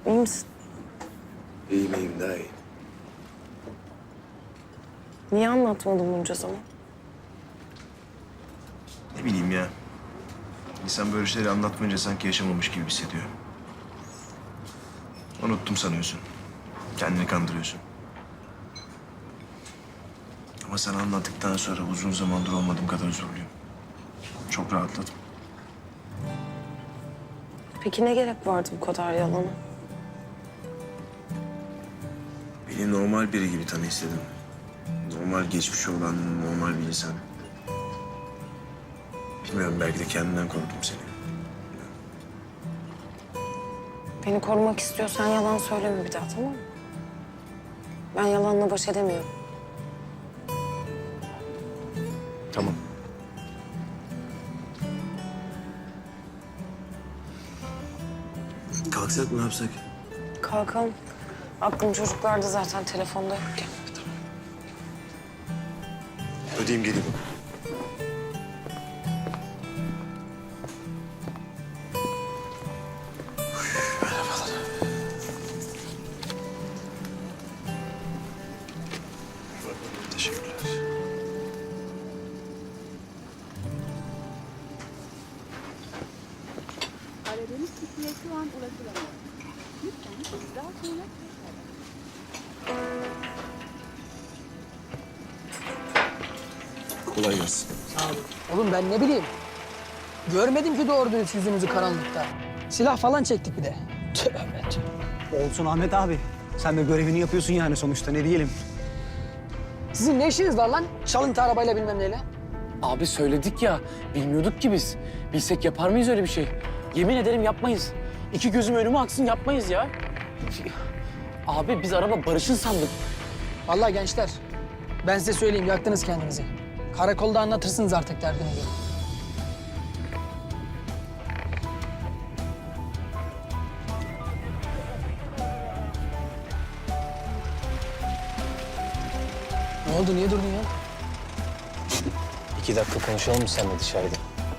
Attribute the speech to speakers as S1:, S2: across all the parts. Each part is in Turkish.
S1: İyi misin?
S2: İyiyim daha iyi.
S1: Niye anlatmadın bunca zaman?
S2: Ne bileyim ya. İnsan böyle şeyleri anlatmayınca sanki yaşamamış gibi hissediyor. Unuttum sanıyorsun. Kendini kandırıyorsun. Ama sana anlattıktan sonra uzun zamandır olmadığım kadar huzurluyum. Çok rahatladım.
S1: Peki ne gerek vardı bu kadar yalana?
S2: Beni normal biri gibi tanı istedim. Normal geçmişi olan normal bir insan. Bilmiyorum, belki de kendimden korktum seni.
S1: Beni korumak istiyorsan yalan söyleme bir daha, tamam mı? Ben yalanla baş edemiyorum.
S2: Tamam. Kalksak mı, ne yapsak?
S1: Kalkalım. Aklım çocuklarda zaten, telefonda yokken.
S2: Ödeyeyim, geleyim. Merhabalar. Teşekkürler.
S3: Aradığınız kişiye şu an ulaşılamıyor. Lütfen daha sonra
S2: Kolay gelsin.
S4: Abi, oğlum ben ne bileyim. Görmedim ki doğru dürüst yüzünüzü karanlıkta. Silah falan çektik bir de. Tövbe tövbe.
S5: Olsun Ahmet abi. Sen de görevini yapıyorsun yani sonuçta, ne diyelim.
S4: Sizin ne işiniz var lan? Çalıntı arabayla bilmem neyle.
S6: Abi söyledik ya, bilmiyorduk ki biz. Bilsek yapar mıyız öyle bir şey? Yemin ederim yapmayız. İki gözüm önüme aksın, yapmayız ya. Abi biz araba Barış'ın sandık.
S4: Vallahi gençler, ben size söyleyeyim, yaktınız kendinizi. Karakolda anlatırsınız artık derdinizi. Ne oldu, niye durdun ya?
S7: 2 dakika konuşalım mı seninle dışarıda?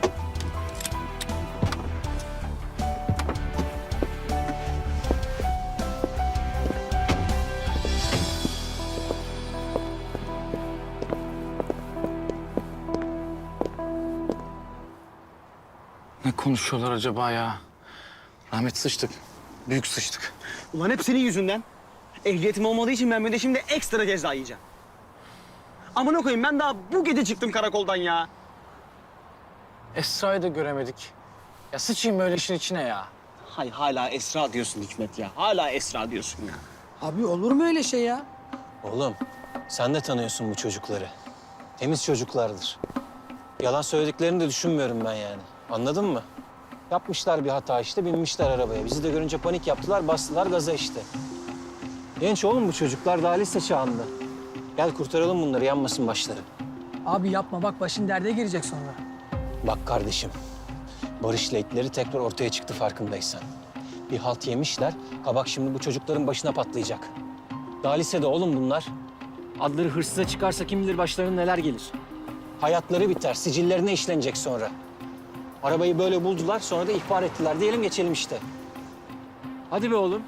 S6: Ne konuşuyorlar acaba ya? Rahmet, sıçtık. Büyük sıçtık.
S5: Ulan hep senin yüzünden. Ehliyetim olmadığı için ben bir de şimdi ekstra ceza yiyeceğim. Amına koyayım, ben daha bu gece çıktım karakoldan ya.
S6: Esra'yı da göremedik. Ya sıçayım böyle işin içine ya.
S5: Hay hala Esra diyorsun Hikmet ya. Hala Esra diyorsun ya.
S4: Abi olur mu öyle şey ya?
S7: Oğlum, sen de tanıyorsun bu çocukları. Temiz çocuklardır. Yalan söylediklerini de düşünmüyorum ben yani. Anladın mı? Yapmışlar bir hata işte, binmişler arabaya. Bizi de görünce panik yaptılar, bastılar gaza işte. Genç oğlum bu çocuklar, daha lise çağında. Gel kurtaralım bunları, yanmasın başları.
S4: Abi yapma, bak başın derde girecek sonra.
S7: Bak kardeşim, Barış'la itleri tekrar ortaya çıktı farkındaysan. Bir halt yemişler, kabak şimdi bu çocukların başına patlayacak. Daha lisede oğlum bunlar. Adları hırsıza çıkarsa kim bilir başlarına neler gelir. Hayatları biter, sicillerine işlenecek sonra. Arabayı böyle buldular, sonra da ihbar ettiler. Diyelim geçelim işte. Hadi be oğlum.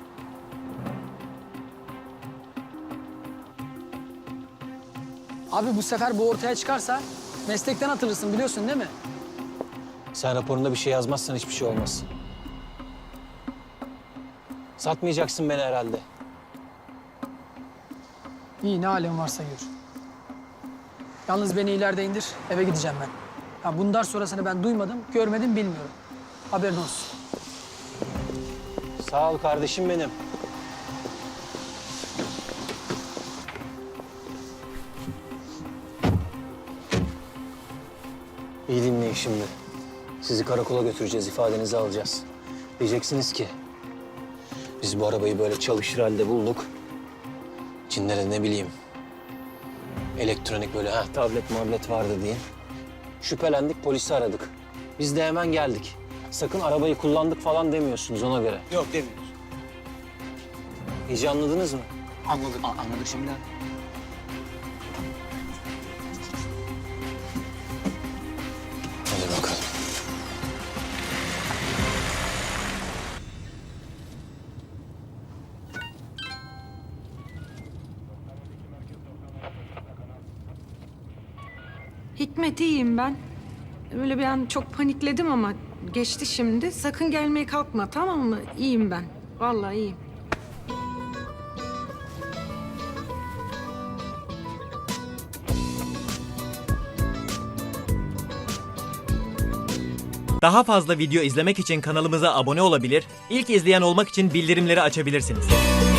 S4: Abi bu sefer bu ortaya çıkarsa meslekten atılırsın, biliyorsun değil mi?
S7: Sen raporunda bir şey yazmazsan hiçbir şey olmaz. Satmayacaksın beni herhalde.
S4: İyi, ne halin varsa gör. Yalnız beni ileride indir, eve gideceğim ben. Ya bundan sonrasını ben duymadım, görmedim, bilmiyorum. Haberin olsun.
S7: Sağ ol kardeşim benim. İyi dinleyin şimdi. Sizi karakola götüreceğiz, ifadenizi alacağız. Diyeceksiniz ki, biz bu arabayı böyle çalışır halde bulduk. İçinde de ne bileyim, elektronik böyle tablet mablet vardı diye. Şüphelendik, polisi aradık. Biz de hemen geldik. Sakın arabayı kullandık falan demiyorsunuz ona göre.
S5: Yok demiyoruz.
S7: İyice anladınız mı?
S5: Anladık. Anladık şimdi.
S7: Hadi bakalım.
S8: Hikmet iyiyim ben. Öyle bir an çok panikledim ama geçti şimdi. Sakın gelmeye kalkma, tamam mı? İyiyim ben. Vallahi iyiyim.
S9: Daha fazla video izlemek için kanalımıza abone olabilir, ilk izleyen olmak için bildirimleri açabilirsiniz.